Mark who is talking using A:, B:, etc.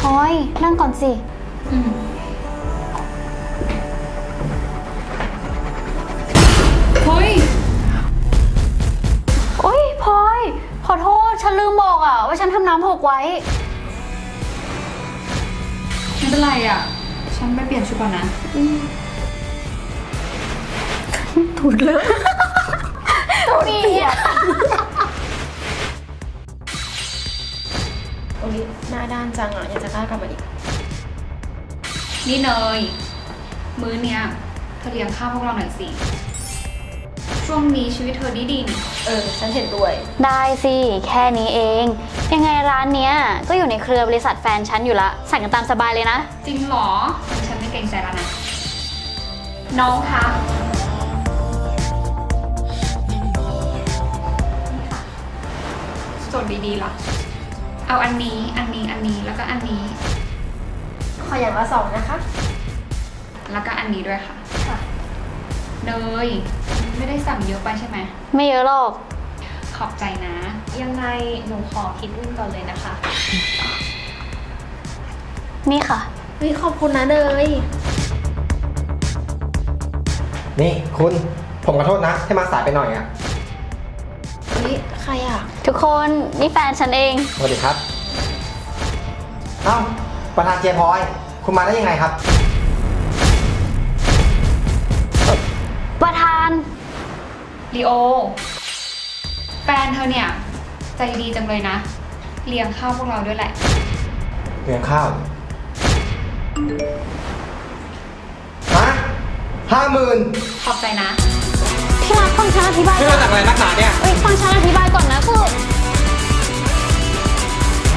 A: ลอยนั่งก่อนสิ
B: เฮ้ย
A: โอ๊ยพลอยขอโทษฉันลืมบอกอะว่าฉันทำน้ำหกไว้
B: ไม่เป็นไรอ่ะฉันไปเปลี่ยนชุดก่อนนะ
A: ถูกเลยตัวนี้
C: โอ้ยหน้าด้านจังอ่ะยังจะกล้ากลับมาอีก
B: นี่เนยมื้อเนี้ยเธอเลี้ยงข้าวพวกเราหน่อยสิช่วงนี้ชีวิตเธอดีนี่
C: ฉันเห็นด้วย
A: ได้สิแค่นี้เองยังไงร้านเนี้ยก็อยู่ในเครือบริษัทแฟนฉันอยู่ละสั่งกันตามสบายเลยนะ
B: จริงเหรอฉันไม่เกรงใจแล้วนะน้องคะนี่ค่ะจดดีๆล่ะเอาอันนี้แล้วก็อันนี้
C: ขออย่างละ2นะคะ
B: แล้วก็อันนี้ด้วยค่ะเนยไม่ได้สั่งเยอะไปใช่ไหม
A: ไม่เยอะหรอก
B: ขอบใจนะ
C: ยังไงหนูขอคิดเงินก่อนเลยนะคะ
A: นี่ค่ะ
C: ขอบคุณนะเนย
D: นี่คุณผมขอโทษนะที่มาสายไปหน่อยอ่ะ
C: ใครอ่ะ
A: ทุกคนนี่แฟนฉันเอง
D: สวัสดีครับเอ้าประธานเจพอยคุณมาได้ยังไงครับ
A: ประธาน
B: ลีโอแฟนเธอเนี่ยใจดีจังเลยนะเลี้ยงข้าวพวกเราด้วยแหละ
D: เลี้ยงข้าวฮะ
B: ขอบใจนะ
A: พี่รักฟังฉันอธิบาย
D: เรื่องอะไรนักหนาเนี่ย
A: ฟังฉันอธิบายก่อนนะคือ